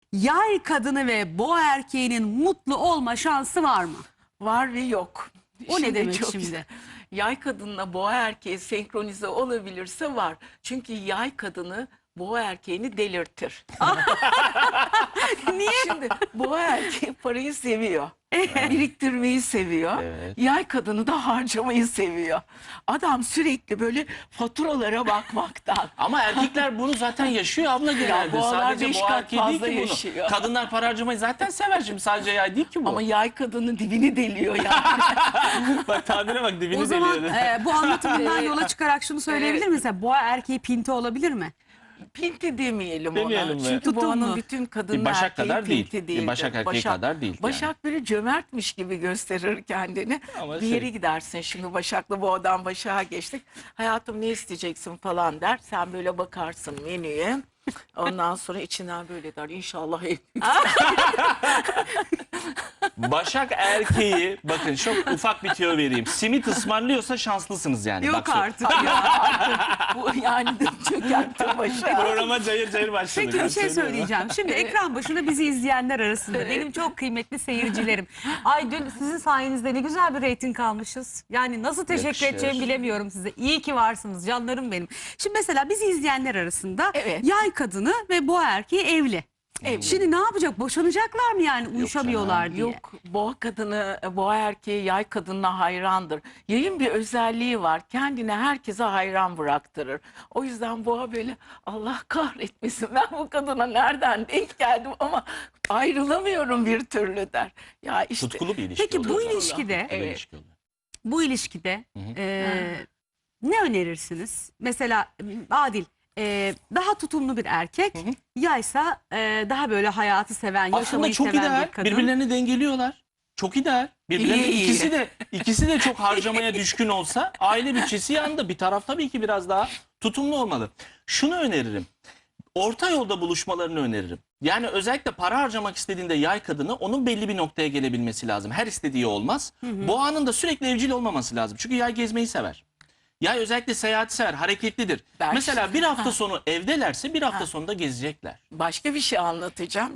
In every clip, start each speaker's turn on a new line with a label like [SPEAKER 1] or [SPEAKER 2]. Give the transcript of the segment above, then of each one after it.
[SPEAKER 1] Yay kadını ve boğa erkeğinin mutlu olma şansı var mı?
[SPEAKER 2] Var ve yok.
[SPEAKER 1] O ne demek
[SPEAKER 2] çok
[SPEAKER 1] şimdi?
[SPEAKER 2] güzel. Yay kadınla boğa erkeği senkronize olabilirse var. Çünkü yay kadını boğa erkeğini delirtir.
[SPEAKER 1] Niye?
[SPEAKER 2] Şimdi boğa erkeği parayı seviyor. Biriktirmeyi seviyor.
[SPEAKER 3] Evet.
[SPEAKER 2] Yay kadını da harcamayı seviyor. Adam sürekli böyle faturalara bakmaktan.
[SPEAKER 3] Ama erkekler bunu zaten yaşıyor abla genelde.
[SPEAKER 2] boğalar
[SPEAKER 3] Sadece
[SPEAKER 2] 5
[SPEAKER 3] boğa
[SPEAKER 2] kat
[SPEAKER 3] erkeği değil
[SPEAKER 2] fazla
[SPEAKER 3] ki bunu.
[SPEAKER 2] yaşıyor.
[SPEAKER 3] Kadınlar para harcamayı zaten sever şimdi. Sadece yay değil ki bu.
[SPEAKER 2] Ama yay kadının dibini deliyor yani.
[SPEAKER 3] bak tabire bak dibini
[SPEAKER 1] O zaman
[SPEAKER 3] deliyor.
[SPEAKER 1] bu anlatımından yola çıkarak şunu söyleyebilir misin? Mesela boğa erkeği pinti olabilir mi?
[SPEAKER 2] Pinti demeyelim
[SPEAKER 3] Demeyelim
[SPEAKER 2] ona.
[SPEAKER 3] mi?
[SPEAKER 2] Çünkü
[SPEAKER 1] Tutumlu.
[SPEAKER 2] boğanın bütün kadın
[SPEAKER 3] Başak
[SPEAKER 2] erkeği
[SPEAKER 3] kadar değil.
[SPEAKER 2] pinti değildir.
[SPEAKER 3] Başak erkeği kadar değil yani.
[SPEAKER 2] Başak böyle cömertmiş gibi gösterir kendini.
[SPEAKER 3] Ama
[SPEAKER 2] Bir yere
[SPEAKER 3] şey-
[SPEAKER 2] gidersin, şimdi Başak'la boğadan Başak'a geçtik. Hayatım ne isteyeceksin falan der. Sen böyle bakarsın menüye. Ondan sonra içinden böyle der. İnşallah en
[SPEAKER 3] Başak erkeği bakın çok ufak bir tüyo vereyim. Simit ısmarlıyorsa şanslısınız yani.
[SPEAKER 1] Yok
[SPEAKER 3] Bak, şu-
[SPEAKER 1] artık ya.
[SPEAKER 2] bu yani çökertti Başak.
[SPEAKER 3] Programa cayır cayır başladık.
[SPEAKER 1] Peki bir
[SPEAKER 3] Ben
[SPEAKER 1] şey
[SPEAKER 3] söylüyorum.
[SPEAKER 1] söyleyeceğim. Şimdi ekran başında bizi izleyenler arasında benim çok kıymetli seyircilerim. Ay dün sizin sayenizde ne güzel bir reyting almışız. Yani nasıl teşekkür
[SPEAKER 3] Yakışır.
[SPEAKER 1] edeceğimi bilemiyorum size. İyi ki varsınız canlarım benim. Şimdi mesela bizi izleyenler arasında
[SPEAKER 2] Evet.
[SPEAKER 1] yay kadını ve boğa erkeği evli.
[SPEAKER 2] Evli.
[SPEAKER 1] Şimdi ne yapacak? Boşanacaklar mı yani uyuşamıyorlar diye?
[SPEAKER 2] Yok, boğa kadını, boğa erkeği yay kadınına hayrandır. Yayın bir özelliği var. Kendine herkese hayran bıraktırır. O yüzden boğa böyle Allah kahretmesin ben bu kadına nereden denk geldim ama ayrılamıyorum bir türlü der. Ya işte
[SPEAKER 3] Tutkulu bir ilişki
[SPEAKER 1] Peki bu
[SPEAKER 3] oluyor.
[SPEAKER 1] ilişkide,
[SPEAKER 3] Tutkulu
[SPEAKER 2] Evet.
[SPEAKER 3] ilişki oluyor.
[SPEAKER 1] bu ilişkide ne önerirsiniz? Mesela Adil daha tutumlu bir erkek, yaysa daha böyle hayatı seven,
[SPEAKER 3] Aslında
[SPEAKER 1] yaşamayı
[SPEAKER 3] çok
[SPEAKER 1] seven
[SPEAKER 3] ideal.
[SPEAKER 1] bir kadın.
[SPEAKER 3] Birbirlerini dengeliyorlar. Çok ideal. Birbirlerine
[SPEAKER 2] İyi, iyi.
[SPEAKER 3] ikisi de çok harcamaya düşkün olsa aile bütçesi yanında. Bir taraf tabii ki biraz daha tutumlu olmalı. Şunu öneririm. Orta yolda buluşmalarını öneririm. Yani özellikle para harcamak istediğinde yay kadını onun belli bir noktaya gelebilmesi lazım. Her istediği olmaz. Boğanın da sürekli evcil olmaması lazım. Çünkü yay gezmeyi sever. Yay özellikle seyahati sever, hareketlidir.
[SPEAKER 2] Ben-
[SPEAKER 3] Mesela bir hafta sonu evdelerse bir hafta sonunda gezecekler.
[SPEAKER 2] başka bir şey anlatacağım.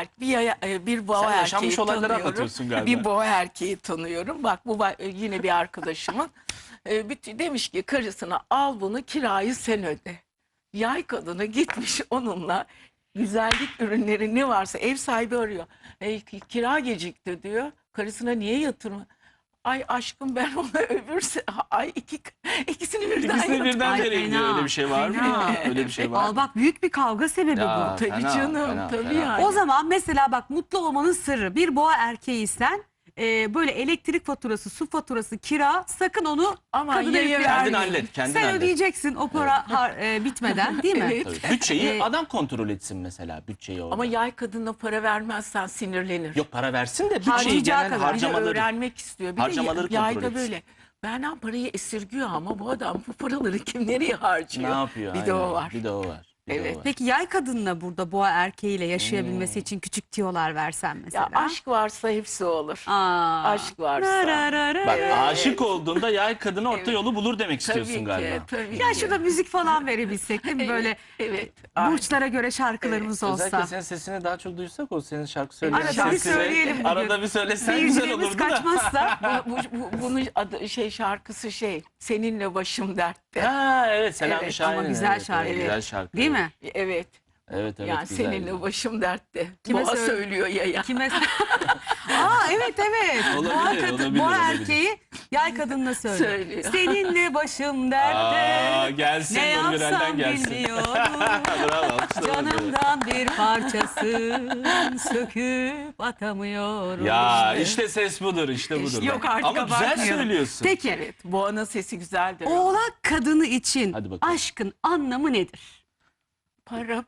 [SPEAKER 2] Bir boğa
[SPEAKER 3] Sen
[SPEAKER 2] erkeği
[SPEAKER 3] yaşanmış olayları
[SPEAKER 2] tanıyorum.
[SPEAKER 3] anlatıyorsun galiba.
[SPEAKER 2] Bir boğa erkeği tanıyorum. Bak bu yine bir arkadaşımın. Demiş ki karısına al bunu kirayı sen öde. Yay kadını gitmiş onunla güzellik ürünleri ne varsa ev sahibi arıyor. Kira gecikti diyor. Karısına niye yatırma? Ay aşkım ben ona ay ikisini birden
[SPEAKER 3] İkisini birden
[SPEAKER 1] Ay,
[SPEAKER 3] vereyim diyor.
[SPEAKER 1] fena,
[SPEAKER 3] Öyle bir şey var
[SPEAKER 1] fena.
[SPEAKER 3] mı? Öyle bir şey var
[SPEAKER 1] Al
[SPEAKER 3] mı?
[SPEAKER 1] bak büyük bir kavga sebebi
[SPEAKER 3] Ya,
[SPEAKER 1] bu.
[SPEAKER 2] Tabii
[SPEAKER 3] fena,
[SPEAKER 2] canım
[SPEAKER 3] fena,
[SPEAKER 2] tabii
[SPEAKER 3] fena.
[SPEAKER 2] yani.
[SPEAKER 1] O zaman mesela bak mutlu olmanın sırrı bir boğa erkeğiysen böyle elektrik faturası, su faturası, kira sakın onu
[SPEAKER 2] Ama
[SPEAKER 1] kadına
[SPEAKER 2] yaya
[SPEAKER 1] yüklemeyin.
[SPEAKER 3] Kendin hallet, kendin
[SPEAKER 1] Sen
[SPEAKER 3] hallet.
[SPEAKER 1] ödeyeceksin o para bitmeden değil mi?
[SPEAKER 2] Evet.
[SPEAKER 3] Tabii. Bütçeyi
[SPEAKER 1] Ee,
[SPEAKER 3] adam kontrol etsin mesela. Bütçeyi orada.
[SPEAKER 2] Ama yay kadına para vermezsen sinirlenir.
[SPEAKER 3] Yok para versin de bütçeyi
[SPEAKER 1] Harcayacağı
[SPEAKER 3] genel
[SPEAKER 1] kadar.
[SPEAKER 2] Bir de
[SPEAKER 3] harcamaları.
[SPEAKER 2] öğrenmek istiyor. Bir
[SPEAKER 3] harcamaları
[SPEAKER 2] de yayda
[SPEAKER 3] kontrol etsin.
[SPEAKER 2] böyle. Benden parayı esirgiyor ama bu adam bu paraları kim nereye harcıyor?
[SPEAKER 3] Ne yapıyor?
[SPEAKER 2] Bir de o
[SPEAKER 3] Aynen.
[SPEAKER 2] var.
[SPEAKER 3] Bir de o var. Bir de o
[SPEAKER 2] Evet.
[SPEAKER 3] var.
[SPEAKER 1] Peki yay kadınla burada boğa erkeğiyle yaşayabilmesi için küçük tiyolar versen mesela.
[SPEAKER 2] Ya aşk varsa hepsi olur.
[SPEAKER 1] Aa.
[SPEAKER 2] aşk varsa.
[SPEAKER 3] Bak
[SPEAKER 2] Evet.
[SPEAKER 3] aşık olduğunda yay kadını orta yolu bulur demek istiyorsun
[SPEAKER 2] Tabii
[SPEAKER 3] galiba.
[SPEAKER 2] ki, tabii
[SPEAKER 1] Ya
[SPEAKER 2] ki.
[SPEAKER 1] şurada müzik falan verebilsek değil mi? Böyle
[SPEAKER 2] Evet. Ay.
[SPEAKER 1] burçlara göre şarkılarımız
[SPEAKER 3] Özellikle
[SPEAKER 1] olsa.
[SPEAKER 3] senin sesini daha çok duysak o senin şarkı söyleyen
[SPEAKER 1] Arada bir
[SPEAKER 3] sesini
[SPEAKER 1] söyleyelim bugün.
[SPEAKER 3] arada bir söylesen güzel
[SPEAKER 1] Seyircilerimiz
[SPEAKER 3] olurdu da.
[SPEAKER 1] kaçmazsa.
[SPEAKER 2] Bunun adı şarkısı seninle başım dertte.
[SPEAKER 3] Ha evet Selami
[SPEAKER 2] Evet,
[SPEAKER 3] Şahin'in.
[SPEAKER 1] ama güzel
[SPEAKER 3] evet,
[SPEAKER 1] şarkı.
[SPEAKER 3] evet, güzel şarkı.
[SPEAKER 1] Değil mi?
[SPEAKER 2] Evet.
[SPEAKER 3] Evet evet
[SPEAKER 2] Yani
[SPEAKER 3] güzel.
[SPEAKER 2] seninle başım dertte.
[SPEAKER 1] Kime
[SPEAKER 2] Boğa
[SPEAKER 1] söyle-
[SPEAKER 2] söylüyor ya.
[SPEAKER 1] Kime? Aa evet.
[SPEAKER 3] Olabilir, olabilir,
[SPEAKER 1] boğa
[SPEAKER 3] olabilir.
[SPEAKER 1] erkeği yay kadınla söylüyor.
[SPEAKER 2] Söylüyor.
[SPEAKER 1] Seninle başım dertte.
[SPEAKER 3] Aa, gelsin
[SPEAKER 1] Ne
[SPEAKER 3] Nurgül'den
[SPEAKER 1] yapsam
[SPEAKER 3] gelsin.
[SPEAKER 1] bilmiyorum.
[SPEAKER 3] Bravo alkışlar.
[SPEAKER 1] Canımdan bir parçasın söküp atamıyorum.
[SPEAKER 3] Ya işte ses budur işte budur.
[SPEAKER 1] Yok artık
[SPEAKER 3] Ama güzel
[SPEAKER 1] abartmayalım.
[SPEAKER 3] söylüyorsun.
[SPEAKER 1] Peki
[SPEAKER 2] Evet. Boğanın sesi güzeldir.
[SPEAKER 1] oğlak kadını için
[SPEAKER 3] Hadi bakalım.
[SPEAKER 1] aşkın anlamı nedir?
[SPEAKER 2] Para.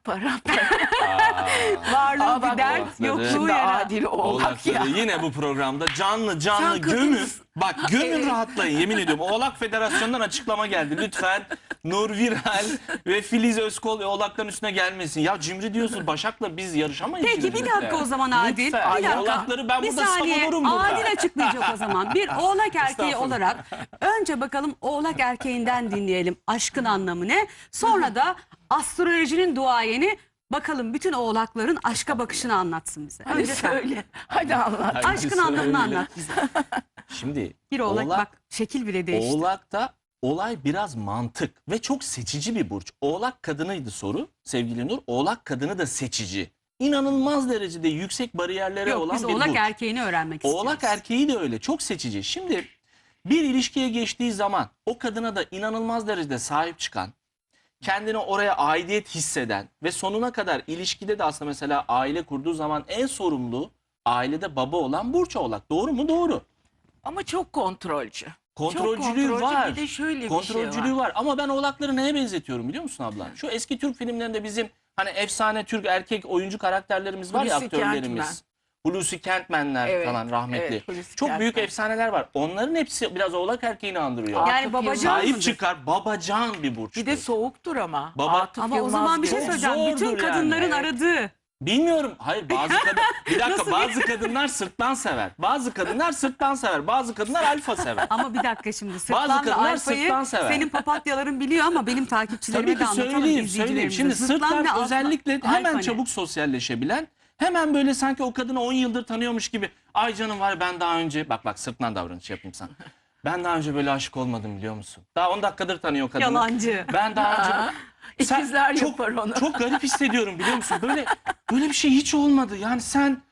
[SPEAKER 1] Varlığı
[SPEAKER 2] Aa, bak,
[SPEAKER 1] bir dert,
[SPEAKER 3] oğlakları.
[SPEAKER 1] yokluğu
[SPEAKER 2] Şimdi
[SPEAKER 1] yara.
[SPEAKER 2] adil oğlak ya.
[SPEAKER 3] Oğlakları yine bu programda canlı
[SPEAKER 2] Sen
[SPEAKER 3] gömün.
[SPEAKER 2] kadınsın.
[SPEAKER 3] Bak gömün
[SPEAKER 2] Evet.
[SPEAKER 3] rahatlayın yemin ediyorum. Oğlak Federasyonu'ndan açıklama geldi. Lütfen Nur Viral ve Filiz Özkol oğlakların üstüne gelmesin. Ya cimri diyorsun Başak'la biz yarışamayız.
[SPEAKER 1] Peki bir
[SPEAKER 3] cimrilikle.
[SPEAKER 1] dakika o zaman Adil.
[SPEAKER 3] Lütfen.
[SPEAKER 1] Bir dakika.
[SPEAKER 3] Oğlakları ben
[SPEAKER 1] Bir
[SPEAKER 3] burada
[SPEAKER 1] saniye,
[SPEAKER 3] savunurum burada.
[SPEAKER 1] Adil açıklayacak o zaman. Bir oğlak erkeği
[SPEAKER 3] Estağfurullah.
[SPEAKER 1] olarak önce bakalım oğlak erkeğinden dinleyelim aşkın anlamı ne? Sonra da astrolojinin duayeni Bakalım bütün oğlakların aşka bakışını anlatsın bize.
[SPEAKER 2] Hadi
[SPEAKER 1] Önce sen.
[SPEAKER 2] söyle. Hadi anlat.
[SPEAKER 3] Hadi
[SPEAKER 1] Aşkın
[SPEAKER 3] söyle.
[SPEAKER 1] anlamını anlat bize.
[SPEAKER 3] Şimdi
[SPEAKER 1] Bir oğlak, bak şekil bile değişti.
[SPEAKER 3] Oğlak'ta olay biraz mantık ve çok seçici bir burç. Oğlak kadınıydı soru sevgili Nur. Oğlak kadını da seçici. İnanılmaz derecede yüksek bariyerlere
[SPEAKER 1] Yok
[SPEAKER 3] olan
[SPEAKER 1] biz
[SPEAKER 3] bir
[SPEAKER 1] oğlak
[SPEAKER 3] burç.
[SPEAKER 1] erkeğini öğrenmek
[SPEAKER 3] Oğlak
[SPEAKER 1] istiyoruz.
[SPEAKER 3] erkeği de öyle, çok seçici. Şimdi bir ilişkiye geçtiği zaman o kadına da inanılmaz derecede sahip çıkan, kendini oraya aidiyet hisseden ve sonuna kadar ilişkide de aslında mesela aile kurduğu zaman en sorumlu ailede baba olan burç oğlak. Doğru mu? Doğru.
[SPEAKER 2] Ama çok kontrolcü.
[SPEAKER 3] Kontrolcülüğü
[SPEAKER 2] çok kontrolcü.
[SPEAKER 3] var.
[SPEAKER 2] Bir de şöyle bir
[SPEAKER 3] Kontrolcülüğü
[SPEAKER 2] şey var.
[SPEAKER 3] var. Ama ben oğlakları neye benzetiyorum biliyor musun abla? Şu eski Türk filmlerinde bizim hani efsane Türk erkek oyuncu karakterlerimiz var ya,
[SPEAKER 2] Hulusi
[SPEAKER 3] aktörlerimiz.
[SPEAKER 2] Kentmen.
[SPEAKER 3] Hulusi Kentmenler
[SPEAKER 2] Evet,
[SPEAKER 3] falan rahmetli.
[SPEAKER 2] evet, Hulusi
[SPEAKER 3] Çok büyük
[SPEAKER 2] Kentmen.
[SPEAKER 3] efsaneler var. Onların hepsi biraz oğlak erkeğini andırıyor.
[SPEAKER 2] Aa,
[SPEAKER 1] Yani
[SPEAKER 2] Atıf
[SPEAKER 1] babacan
[SPEAKER 2] Yılmaz.
[SPEAKER 3] Sahip
[SPEAKER 1] mıdır?
[SPEAKER 3] çıkar, babacan bir burçtur.
[SPEAKER 2] Bir de soğuktur ama.
[SPEAKER 3] Baba-
[SPEAKER 2] Atıf
[SPEAKER 1] Ama o
[SPEAKER 2] Yılmaz
[SPEAKER 1] zaman bir şey
[SPEAKER 2] gibi.
[SPEAKER 1] söyleyeceğim. Bütün
[SPEAKER 3] zordur yani.
[SPEAKER 1] kadınların
[SPEAKER 2] Evet.
[SPEAKER 1] aradığı.
[SPEAKER 3] Bilmiyorum. Hayır bazı kadın bir dakika,
[SPEAKER 1] Nasıl
[SPEAKER 3] bazı kadınlar sırttan sever. Bazı kadınlar sırttan sever. Bazı kadınlar alfa sever.
[SPEAKER 1] Ama bir dakika şimdi sırtlan ve
[SPEAKER 3] kadınlar
[SPEAKER 1] alfayı
[SPEAKER 3] sırtlan sever.
[SPEAKER 1] senin papatyaların biliyor ama benim takipçilerime
[SPEAKER 3] Tabii
[SPEAKER 1] de
[SPEAKER 3] ki
[SPEAKER 1] anlatalım
[SPEAKER 3] söyleyeyim.
[SPEAKER 1] izleyicilerimize.
[SPEAKER 3] Şimdi sırtlan
[SPEAKER 1] ve alfa-
[SPEAKER 3] özellikle hemen
[SPEAKER 1] alfa ne?
[SPEAKER 3] çabuk sosyalleşebilen, hemen böyle sanki o kadını 10 yıldır tanıyormuş gibi. Ay canım var, ben daha önce bak sırtlan davranış yapayım sana. Ben daha önce böyle aşık olmadım biliyor musun? Daha 10 dakikadır tanıyor kadını.
[SPEAKER 1] Yalancı.
[SPEAKER 3] Ben daha önce... Sen-
[SPEAKER 2] İkizler
[SPEAKER 3] çok,
[SPEAKER 2] yapar onu.
[SPEAKER 3] Çok garip hissediyorum biliyor musun? Böyle bir şey hiç olmadı. Yani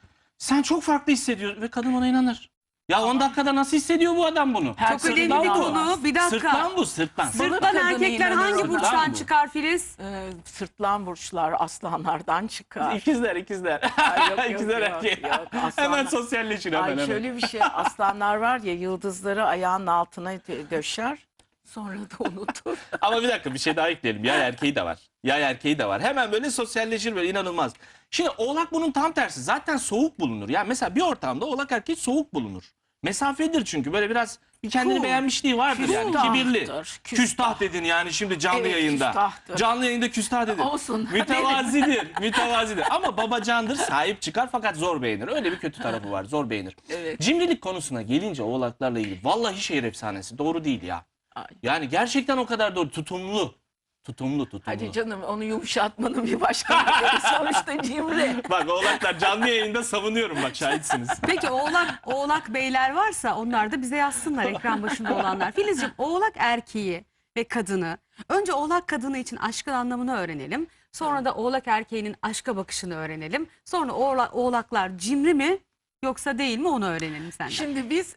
[SPEAKER 3] sen çok farklı hissediyorsun ve kadın ona inanır. Ya 10 dakikada nasıl hissediyor bu adam bunu?
[SPEAKER 2] Her
[SPEAKER 1] Çok önemli bir
[SPEAKER 3] bu.
[SPEAKER 1] konu. Bir dakika.
[SPEAKER 3] Sırtlan bu, sırtlan.
[SPEAKER 2] Balık
[SPEAKER 1] Sırtlan
[SPEAKER 2] kadını
[SPEAKER 1] erkekler
[SPEAKER 2] inanır
[SPEAKER 1] hangi
[SPEAKER 2] ona.
[SPEAKER 1] burçtan
[SPEAKER 3] Sırtlan bu.
[SPEAKER 1] çıkar Filiz?
[SPEAKER 2] Sırtlan burçlar aslanlardan çıkar.
[SPEAKER 3] İkizler.
[SPEAKER 2] Ay, yok,
[SPEAKER 3] İkizler
[SPEAKER 2] yok,
[SPEAKER 3] erkeği.
[SPEAKER 2] yok. Aslanlar-
[SPEAKER 3] Hemen sosyalleşin hemen.
[SPEAKER 2] Ay şöyle bir şey, aslanlar var ya, yıldızları ayağının altına döşer, sonra da unutur.
[SPEAKER 3] Ama bir dakika, bir şey daha ekleyelim. Yay erkeği de var. Yay erkeği de var. Hemen böyle sosyalleşir, böyle inanılmaz. Şimdi oğlak bunun tam tersi. Zaten soğuk bulunur. Yani mesela bir ortamda oğlak erkeği soğuk bulunur. Mesafedir çünkü, böyle biraz bir kendini
[SPEAKER 2] Cool.
[SPEAKER 3] beğenmişliği vardır yani.
[SPEAKER 2] Küstah.
[SPEAKER 3] Kibirli.
[SPEAKER 2] Küstah.
[SPEAKER 3] Küstah dedin yani şimdi canlı
[SPEAKER 2] Evet,
[SPEAKER 3] yayında.
[SPEAKER 2] küstahtır.
[SPEAKER 3] Canlı yayında küstah dedin.
[SPEAKER 2] Olsun.
[SPEAKER 3] Mütevazidir. Mütevazidir. Ama babacandır, sahip çıkar fakat zor beğenir. Öyle bir kötü tarafı var. Zor beğenir.
[SPEAKER 2] Evet.
[SPEAKER 3] Cimrilik konusuna gelince oğlaklarla ilgili vallahi şehir efsanesi. Doğru değil ya.
[SPEAKER 2] Ay.
[SPEAKER 3] Yani gerçekten o kadar doğru. Tutumlu. Tutumlu.
[SPEAKER 2] Hadi canım, onu yumuşatmanın bir başka yolu, sonuçta cimri.
[SPEAKER 3] Bak oğlaklar canlı yayında savunuyorum, bak şahitsiniz.
[SPEAKER 1] Peki oğlak beyler varsa onlar da bize yazsınlar, ekran başında olanlar. Filizciğim, oğlak erkeği ve kadını, önce oğlak kadını için aşkın anlamını öğrenelim. Sonra da oğlak erkeğinin aşka bakışını öğrenelim. Sonra oğlaklar cimri mi yoksa değil mi onu öğrenelim senden.
[SPEAKER 2] Şimdi biz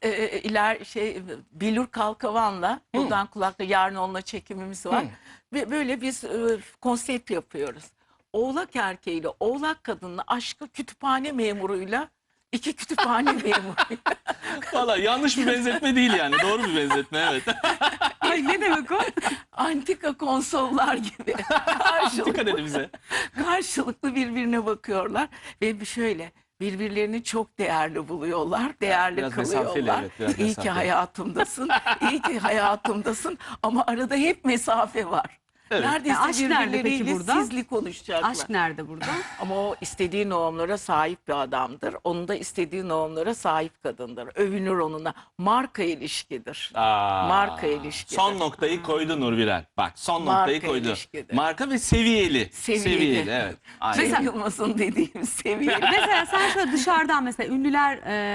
[SPEAKER 2] Bilur Kalkavan'la buradan kulakta, yarın onunla çekimimiz var. Ve böyle biz konsept yapıyoruz. Oğlak erkeğiyle oğlak kadınla aşkı kütüphane memuruyla, iki kütüphane memuruyla.
[SPEAKER 3] Valla yanlış bir benzetme değil yani. Doğru bir benzetme, evet.
[SPEAKER 1] Ay ne demek o?
[SPEAKER 2] Antika konsollar gibi.
[SPEAKER 3] Dikkat edin bize.
[SPEAKER 2] Karşılıklı birbirine bakıyorlar ve şöyle birbirlerini çok değerli buluyorlar, değerli
[SPEAKER 3] Biraz mesafeli,
[SPEAKER 2] kılıyorlar.
[SPEAKER 3] evet, biraz
[SPEAKER 2] İyi ki
[SPEAKER 3] mesafeli.
[SPEAKER 2] hayatımdasın, iyi ki hayatımdasın, ama arada hep mesafe var.
[SPEAKER 3] Evet.
[SPEAKER 2] Neredeyse
[SPEAKER 1] aşk nerede peki
[SPEAKER 2] birbirleriyle
[SPEAKER 1] burada?
[SPEAKER 2] sizli konuşacaklar.
[SPEAKER 1] Aşk nerede burada?
[SPEAKER 2] Ama o istediği normlara sahip bir adamdır. Onun da istediği normlara sahip kadındır. Övünür onunla. Marka ilişkidir. Marka ilişkidir.
[SPEAKER 3] Son noktayı koydu Nurbiren. Bak son
[SPEAKER 2] Marka
[SPEAKER 3] noktayı koydu.
[SPEAKER 2] ilişkidir.
[SPEAKER 3] Marka ve seviyeli.
[SPEAKER 2] Seviyeli.
[SPEAKER 3] Evet. Aynen.
[SPEAKER 2] Cem Yılmaz'ın dediğim seviye.
[SPEAKER 1] Mesela sen şöyle dışarıdan mesela ünlüler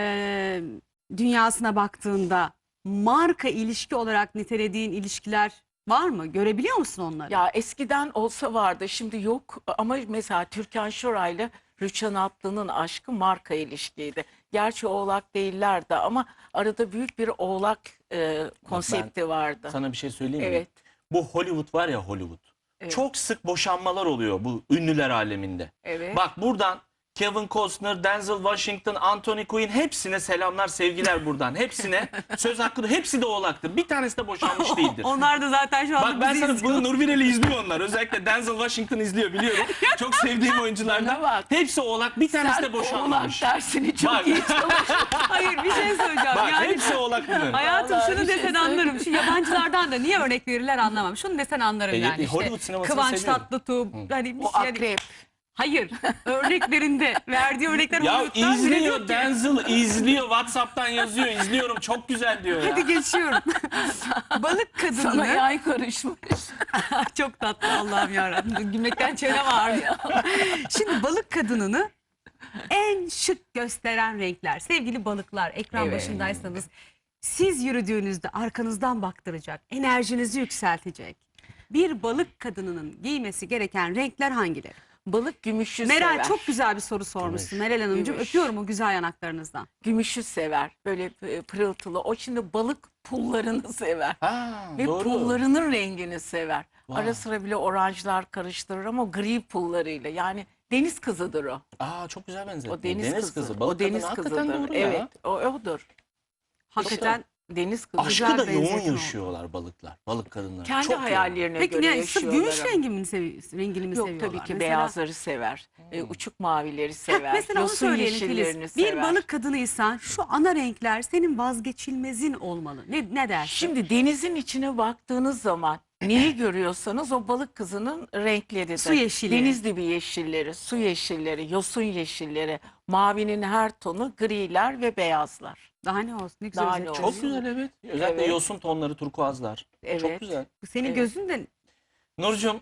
[SPEAKER 1] dünyasına baktığında marka ilişki olarak nitelediğin ilişkiler var mı? Görebiliyor musun onları?
[SPEAKER 2] Ya eskiden olsa vardı, şimdi yok. Ama mesela Türkan Şoray'la Rüçhan Atlı'nın aşkı marka ilişkiydi. Gerçi oğlak değillerdi ama arada büyük bir oğlak konsepti vardı.
[SPEAKER 3] Sana bir şey söyleyeyim mi?
[SPEAKER 2] Evet.
[SPEAKER 3] Bu Hollywood var ya, Hollywood.
[SPEAKER 2] Evet.
[SPEAKER 3] Çok sık boşanmalar oluyor bu ünlüler aleminde.
[SPEAKER 2] Evet.
[SPEAKER 3] Bak buradan Kevin Costner, Denzel Washington, Anthony Quinn, hepsine selamlar, sevgiler buradan. Hepsine söz hakkı, hepsi de oğlaktır. Bir tanesi de boşanmış değildir.
[SPEAKER 1] Onlar da zaten şu anda
[SPEAKER 3] Bak ben
[SPEAKER 1] bizi
[SPEAKER 3] sana
[SPEAKER 1] izliyor.
[SPEAKER 3] bunu, Nurbiren'i izliyor onlar. Özellikle Denzel Washington izliyor, biliyorum. Çok sevdiğim oyunculardan.
[SPEAKER 2] Bana bak.
[SPEAKER 3] Hepsi oğlak, bir tanesi
[SPEAKER 2] Sen
[SPEAKER 3] de boşanmamış.
[SPEAKER 2] oğlak dersini çok
[SPEAKER 3] Bak.
[SPEAKER 2] iyi çalış.
[SPEAKER 1] Hayır bir şey söyleyeceğim.
[SPEAKER 3] Bak
[SPEAKER 1] yani
[SPEAKER 3] hepsi oğlak bunların.
[SPEAKER 1] hayatım
[SPEAKER 2] Vallahi
[SPEAKER 1] şunu
[SPEAKER 2] bir şey
[SPEAKER 1] desen anlarım. Şu yabancılardan da niye örnek verirler anlamam. Şunu desen anlarım yani işte.
[SPEAKER 3] Hollywood sinemasını
[SPEAKER 1] Kıvanç
[SPEAKER 3] seviyorum.
[SPEAKER 1] Tatlıtuğ. Hani bir
[SPEAKER 2] O
[SPEAKER 1] şey, hani
[SPEAKER 2] akrep.
[SPEAKER 1] Hayır. Örneklerinde verdiği örnekler
[SPEAKER 3] Ya
[SPEAKER 1] Hollywood'dan bile diyor
[SPEAKER 3] izliyor
[SPEAKER 1] ki-
[SPEAKER 3] Denzel, izliyor WhatsApp'tan yazıyor, izliyorum çok güzel diyor ya.
[SPEAKER 1] Hadi geçiyorum. Balık
[SPEAKER 2] Sana
[SPEAKER 1] kadınını
[SPEAKER 2] yay karışmış.
[SPEAKER 1] çok tatlı Allah'ım yarabbim. Gülmekten çenem ağrıyor. Şimdi balık kadınını en şık gösteren renkler. Sevgili balıklar, ekran
[SPEAKER 2] Evet.
[SPEAKER 1] başındaysanız siz yürüdüğünüzde arkanızdan baktıracak, enerjinizi yükseltecek. Bir balık kadınının giymesi gereken renkler hangileri?
[SPEAKER 2] Balık gümüşü
[SPEAKER 1] Meral
[SPEAKER 2] sever.
[SPEAKER 1] çok güzel bir soru sormuşsun Meral Hanımcığım.
[SPEAKER 2] Gümüş.
[SPEAKER 1] Öpüyorum o güzel yanaklarınızdan.
[SPEAKER 2] Gümüşü sever. Böyle pırıltılı. O şimdi balık pullarını sever.
[SPEAKER 3] Ha,
[SPEAKER 2] Ve
[SPEAKER 3] doğru.
[SPEAKER 2] pullarının rengini sever.
[SPEAKER 3] Vay.
[SPEAKER 2] Ara sıra bile oranjlar karıştırır ama o gri pullarıyla. Yani deniz kızıdır o.
[SPEAKER 3] Aa, çok güzel benzettin.
[SPEAKER 2] O deniz, kızı.
[SPEAKER 3] Balık
[SPEAKER 2] O deniz
[SPEAKER 3] kadını hakikaten
[SPEAKER 2] kızıdır.
[SPEAKER 3] doğru ya.
[SPEAKER 2] Evet, o odur.
[SPEAKER 1] Hakikaten
[SPEAKER 2] Deniz kızı.
[SPEAKER 1] Güzel
[SPEAKER 3] Aşkı da yoğun
[SPEAKER 1] benzetin oldu.
[SPEAKER 3] yaşıyorlar balıklar. Balık kadınlar.
[SPEAKER 2] Kendi
[SPEAKER 3] Çok yoğun.
[SPEAKER 2] hayallerine
[SPEAKER 1] peki
[SPEAKER 2] göre
[SPEAKER 1] ne sırf
[SPEAKER 2] yaşıyorlar.
[SPEAKER 1] gümüş
[SPEAKER 2] ama.
[SPEAKER 1] rengini mi
[SPEAKER 2] Yok
[SPEAKER 1] seviyorlar?
[SPEAKER 2] tabii ki
[SPEAKER 1] Mesela-
[SPEAKER 2] beyazları sever. Uçuk mavileri
[SPEAKER 1] Heh,
[SPEAKER 2] sever.
[SPEAKER 1] mesela onu
[SPEAKER 2] yosun
[SPEAKER 1] söyleyelim
[SPEAKER 2] yeşillerini
[SPEAKER 1] Filiz.
[SPEAKER 2] sever.
[SPEAKER 1] Bir balık kadınıysan şu ana renkler senin vazgeçilmezin olmalı. Ne dersin?
[SPEAKER 2] Şimdi denizin içine baktığınız zaman neyi görüyorsanız o balık kızının renkleridir.
[SPEAKER 1] Su yeşili.
[SPEAKER 2] Deniz dibi yeşilleri, su yeşilleri, yosun yeşilleri, mavinin her tonu, griler ve beyazlar.
[SPEAKER 1] Daha ne olsun ne güzel
[SPEAKER 2] Daha ne
[SPEAKER 1] özetledin.
[SPEAKER 3] Çok güzel evet. Özellikle
[SPEAKER 2] Evet.
[SPEAKER 3] yosun tonları, turkuazlar.
[SPEAKER 2] Evet.
[SPEAKER 3] Çok güzel.
[SPEAKER 1] Bu senin
[SPEAKER 2] Evet.
[SPEAKER 1] gözün de
[SPEAKER 3] Nurcuğum,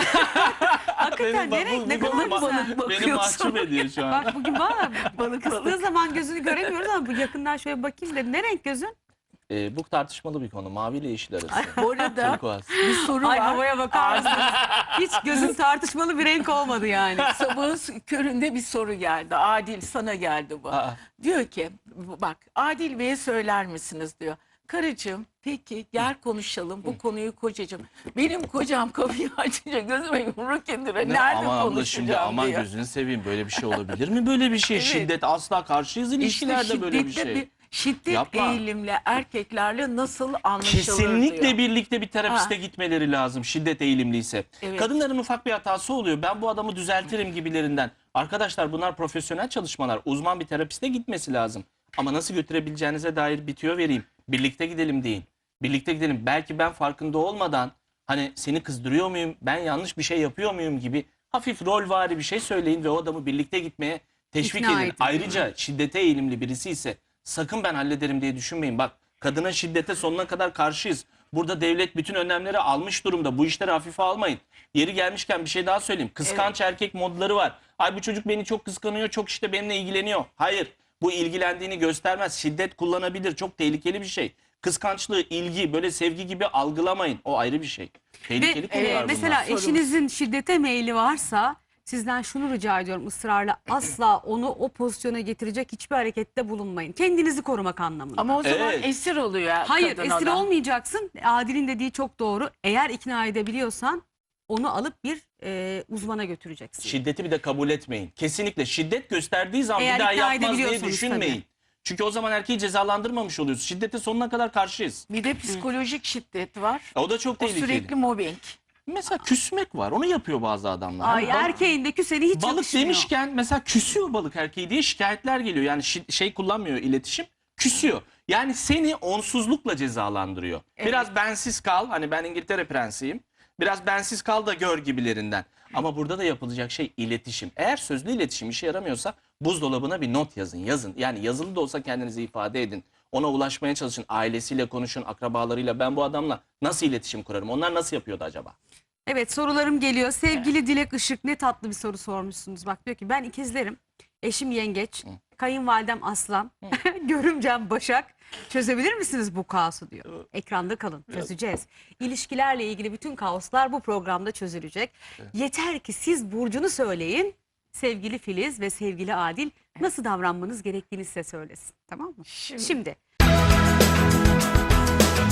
[SPEAKER 1] hakikaten ne renk ne kadar
[SPEAKER 2] balık
[SPEAKER 1] güzel.
[SPEAKER 2] balık
[SPEAKER 3] beni
[SPEAKER 2] bakıyorsun.
[SPEAKER 3] mahcup ediyor şu an.
[SPEAKER 1] Bak bugün valla
[SPEAKER 2] Balık
[SPEAKER 1] kıstığı
[SPEAKER 2] balık.
[SPEAKER 1] zaman gözünü göremiyoruz ama bu yakından şöyle bakayım dedim. Ne renk gözün?
[SPEAKER 3] Bu tartışmalı bir konu. Mavi ile yeşil arası.
[SPEAKER 2] Bu arada
[SPEAKER 3] Turkuaz.
[SPEAKER 2] bir soru
[SPEAKER 1] Ay
[SPEAKER 2] var.
[SPEAKER 1] havaya bakar mısınız? Hiç gözün tartışmalı bir renk olmadı yani.
[SPEAKER 2] Sabahın köründe bir soru geldi. Adil sana geldi bu.
[SPEAKER 3] Aa,
[SPEAKER 2] Diyor ki bak Adil Bey'e söyler misiniz diyor. Karıcığım peki gel konuşalım bu konuyu kocacığım. Benim kocam kapıyı açınca gözüme yumruk indire.
[SPEAKER 3] ne?
[SPEAKER 2] Nerede
[SPEAKER 3] Ama abla
[SPEAKER 2] konuşacağım
[SPEAKER 3] şimdi aman
[SPEAKER 2] diyor.
[SPEAKER 3] gözünü seveyim, böyle bir şey olabilir mi? Böyle bir şey.
[SPEAKER 2] Evet.
[SPEAKER 3] Şiddet asla karşıyız ilişkilerde böyle bir
[SPEAKER 2] şiddetli
[SPEAKER 3] şey.
[SPEAKER 2] şiddet
[SPEAKER 3] Yapma.
[SPEAKER 2] eğilimle erkeklerle nasıl anlaşılır
[SPEAKER 3] Kesinlikle
[SPEAKER 2] diyor.
[SPEAKER 3] birlikte bir terapiste
[SPEAKER 2] Ha.
[SPEAKER 3] gitmeleri lazım şiddet eğilimliyse.
[SPEAKER 2] Evet.
[SPEAKER 3] Kadınların ufak bir hatası oluyor. Ben bu adamı düzeltirim gibilerinden. Arkadaşlar bunlar profesyonel çalışmalar. Uzman bir terapiste gitmesi lazım. Ama nasıl götürebileceğinize dair bir tüyo vereyim. Birlikte gidelim deyin. Birlikte gidelim. Belki ben farkında olmadan hani seni kızdırıyor muyum, ben yanlış bir şey yapıyor muyum gibi hafif rolvari bir şey söyleyin ve o adamı birlikte gitmeye teşvik
[SPEAKER 1] İkna
[SPEAKER 3] edin.
[SPEAKER 1] edin.
[SPEAKER 3] Ayrıca şiddete eğilimli birisi ise sakın ben hallederim diye düşünmeyin. Bak, kadına şiddete sonuna kadar karşıyız. Burada devlet bütün önlemleri almış durumda. Bu işleri hafife almayın. Yeri gelmişken bir şey daha söyleyeyim. Kıskanç erkek modları var. Ay bu çocuk beni çok kıskanıyor, çok işte benimle ilgileniyor. Hayır, bu ilgilendiğini göstermez. Şiddet kullanabilir. Çok tehlikeli bir şey. Kıskançlığı, ilgi, böyle sevgi gibi algılamayın. O ayrı bir şey. Tehlikeli
[SPEAKER 1] Ve
[SPEAKER 3] konular bunlar.
[SPEAKER 1] mesela
[SPEAKER 2] Sorumuz.
[SPEAKER 1] eşinizin şiddete meyli varsa sizden şunu rica ediyorum ısrarla asla onu o pozisyona getirecek hiçbir harekette bulunmayın. Kendinizi korumak anlamında.
[SPEAKER 2] Ama o zaman
[SPEAKER 3] Evet.
[SPEAKER 2] esir oluyor
[SPEAKER 1] Hayır
[SPEAKER 2] kadın
[SPEAKER 1] esir
[SPEAKER 2] ona.
[SPEAKER 1] olmayacaksın. Adil'in dediği çok doğru. Eğer ikna edebiliyorsan onu alıp bir uzmana götüreceksin.
[SPEAKER 3] Şiddeti bir de kabul etmeyin. Kesinlikle şiddet gösterdiği zaman
[SPEAKER 1] Eğer
[SPEAKER 3] bir daha
[SPEAKER 1] ikna
[SPEAKER 3] yapmaz diye
[SPEAKER 1] edebiliyorsanız
[SPEAKER 3] düşünmeyin.
[SPEAKER 1] tabii.
[SPEAKER 3] Çünkü o zaman erkeği cezalandırmamış oluyoruz. Şiddete sonuna kadar karşıyız.
[SPEAKER 2] Bir de psikolojik şiddet var.
[SPEAKER 3] O da çok
[SPEAKER 2] O
[SPEAKER 3] tehlikeli.
[SPEAKER 2] sürekli mobbing.
[SPEAKER 3] Mesela küsmek var. Onu yapıyor bazı adamlar.
[SPEAKER 1] Ay
[SPEAKER 3] Hani balık-
[SPEAKER 1] erkeğin de küseni hiç
[SPEAKER 3] balık
[SPEAKER 1] yakışmıyor.
[SPEAKER 3] demişken mesela küsüyor balık erkeği diye şikayetler geliyor. Yani şey kullanmıyor iletişim. Küsüyor. Yani seni onsuzlukla cezalandırıyor.
[SPEAKER 2] Evet.
[SPEAKER 3] Biraz bensiz kal. Hani ben İngiltere prensiyim. Biraz bensiz kal da gör gibilerinden. Ama burada da yapılacak şey iletişim. Eğer sözlü iletişim işe yaramıyorsa buzdolabına bir not yazın. Yazın. Yani yazılı da olsa kendinizi ifade edin. Ona ulaşmaya çalışın. Ailesiyle konuşun, akrabalarıyla. Ben bu adamla nasıl iletişim kurarım? Onlar nasıl yapıyordu acaba?
[SPEAKER 1] Evet sorularım geliyor. Sevgili Dilek Işık ne tatlı bir soru sormuşsunuz. Bak diyor ki ben ikizlerim. Eşim yengeç. Kayınvalidem aslan. Görümcem başak. Çözebilir misiniz bu kaosu diyor. Ekranda kalın çözeceğiz. İlişkilerle ilgili bütün kaoslar bu programda çözülecek. Yeter ki siz burcunu söyleyin. Sevgili Filiz ve sevgili Adil nasıl davranmanız gerektiğini size söylesin. Tamam mı? Şimdi